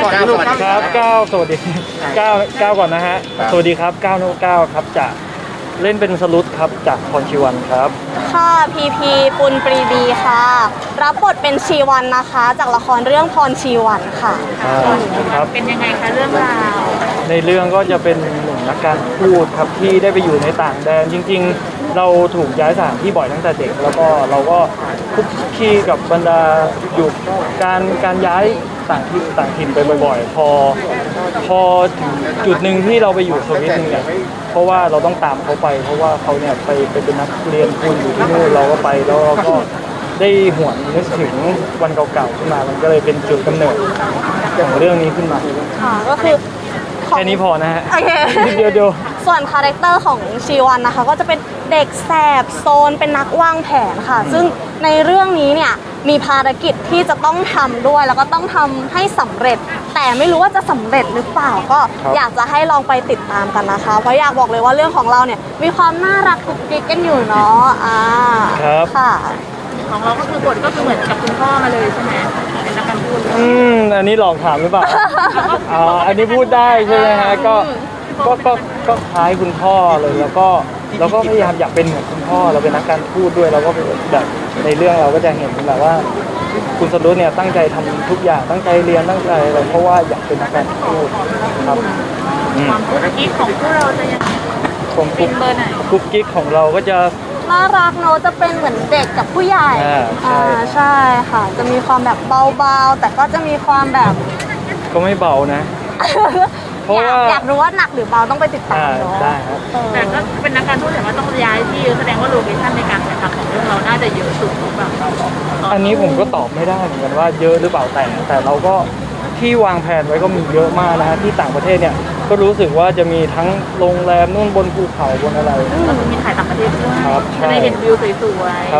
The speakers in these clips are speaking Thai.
ก่อนลูกครับ9สวัสดี9ก่อนนะฮะสวัสดีครับ9ครับจะเล่นเป็นสลุดครับจากพรชีวันครับค่ะพีพีปุณปรีดีค่ะรับบทเป็นชีวันนะคะจากละครเรื่องพรชีวันค่ะครับเป็นยังไงคะเรื่องราวในเรื่องก็จะเป็นหนุ่มนักการทูตครับที่ได้ไปอยู่ในต่างแดนจริงๆเราถูกย้ายสถานที่บ่อยตั้งแต่เด็กแล้วก็เราก็คุกคีกับบรรดาอยู่การย้ายต่างถิ่นไปบ่อยๆพอถึงจุดหนึ่งที่เราไปอยู่สวิตเนี่ยเพราะว่าเราต้องตามเขาไปเพราะว่าเขาเนี่ยไปเป็นนักเรียนทุนอยู่ที่นู่นเราก็ไปแล้วเราก็ได้หวนนึกถึงวันเก่าๆขึ้นมามันก็เลยเป็นจุดกำเนิดของเรื่องนี้ขึ้นมาค่ะก็คือแค่นี้พอนะฮะโอเคเดียวส่วนคาแรคเตอร์ของชีวันนะคะก็จะเป็นเด็กแสบโซนเป็นนักวางแผนค่ะซึ่งในเรื่องนี้เนี่ยมีภารกิจที่จะต้องทำด้วยแล้วก็ต้องทำให้สำเร็จแต่ไม่รู้ว่าจะสำเร็จหรือเปล่าก็อยากจะให้ลองไปติดตามกันนะคะเพราะอยากบอกเลยว่าเรื่องของเราเนี่ยมีความน่ารักกุ๊กกิ๊กกันอยู่เนาะครับค่ะของเราก็คือบทก็คือเหมือนกับคุณพ่อมาเลยใช่ไหมเป็นนักการพูดอันนี้หลอกถามหรือเปล่าอันนี้พูดได้ใช่ไหมฮะก็คล้ายคุณพ่อเลยแล้วก็พยายามอยากเป็นเหมือนคุณพ่อเราเป็นนักการพูดด้วยเราก็แบบในเรื่องเราก็จะเห็นแบบว่าคุณสรุปเนี่ยตั้งใจทำทุกอย่างตั้งใจเรียนตั้งใจอะไรเพราะว่าอยากเป็นนักการพูดครับความกุ๊กกิ๊กของพวกเราจะยังเป็นเบอร์ไหนกุ๊กกิ๊กของเราก็จะน่ารักเนอะจะเป็นเหมือนเด็กกับผู้ใหญ่ใช่ค่ะจะมีความแบบเบาๆแต่ก็จะมีความแบบก็ไม่เบานะเพราะว่าอยากรู้ว่าหนักหรือเบาต้องไปติดตามเนาะได้ครับแต่ก็เป็นนักการทูตแต่ว่าต้องย้ายที่แสดงว่าโลเคชั่นในการถ่ายทำของเรื่องเราน่าจะเยอะสุดหรือเปล่าอันนี้ผมก็ตอบไม่ได้เหมือนกันว่าเยอะหรือเปล่าแต่เราก็ที่วางแผนไว้ก็มีเยอะมากนะฮะที่ต่างประเทศเนี่ยก็รู้สึกว่าจะมีทั้งโรงแรมนู่นบนภูเขาบนอะไรก็มีถ่ายต่างประเทศด้วยจะได้เห็นวิวสวยๆครับ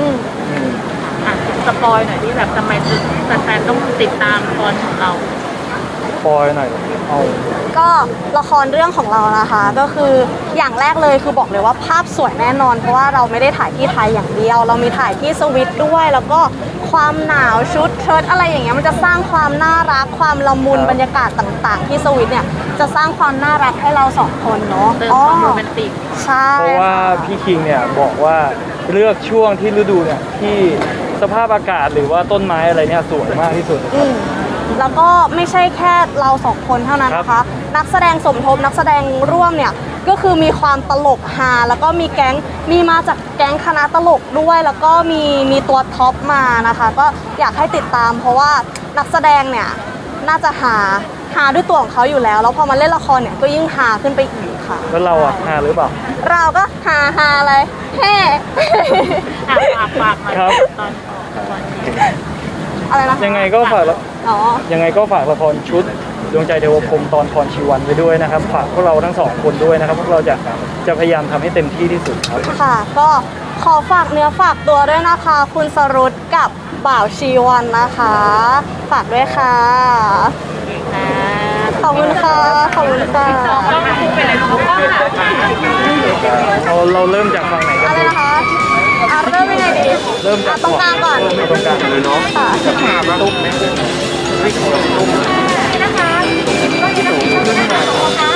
สปอยหน่อยที่แบบทำไมแฟนๆต้องติดตามตอนของเราปอยหน่อยก็ละครเรื่องของเรานะคะก็คืออย่างแรกเลยคือบอกเลยว่าภาพสวยแน่นอนเพราะว่าเราไม่ได้ถ่ายที่ไทยอย่างเดียวเรามีถ่ายที่สวิตด้วยแล้วก็ความหนาวชุดเชิ้ตอะไรอย่างเงี้ยมันจะสร้างความน่ารักความละมุนบรรยากาศต่างๆที่สวิตเนี่ยจะสร้างความน่ารักให้เราสองคนเนาะเติมความโรแมนติกใช่เพราะว่าพี่คิงเนี่ยบอกว่าเลือกช่วงที่ฤดูเนี่ยที่สภาพอากาศหรือว่าต้นไม้อะไรเนี่ยสวยมากที่สุดแล้วก็ไม่ใช่แค่เราสองคนเท่านั้นนะคะนักแสดงสมทบนักแสดงร่วมเนี่ยก็คือมีความตลกฮาแล้วก็มีมาจากแก๊งคณะตลกด้วยแล้วก็มีตัวท็อปมานะคะก็อยากให้ติดตามเพราะว่านักแสดงเนี่ยน่าจะหาด้วยตัวของเขาอยู่แล้วแล้วพอมาเล่นละครเนี่ยก็ยิ่งหาขึ้นไปอีกค่ะแล้วเราหาหรือเปล่าเราก็หาอะไรแฮ่ฝากครับอะไรนะยังไงก็ฝากละครชุดดวงใจเทวพรหมตอนพรชีวันไปด้วยนะครับฝากพวกเราทั้งสองคนด้วยนะครับพวกเราจะพยายามทำให้เต็มที่ที่สุดครับค่ะก็ขอฝากเนื้อฝากตัวด้วยนะคะคุณสรุตกับบ่าวชีวันนะคะฝากด้วยค่ะขอบคุณค่ะขอบคุณค่ะเราเริ่มจากฝั่งไหนกันอะไรนะคะเริ่มยังไงดีเริ่มจากตรงกลางก่อนตรงกลางเลยเนาะจะถามตุ้มไหมตุ้มนะคะ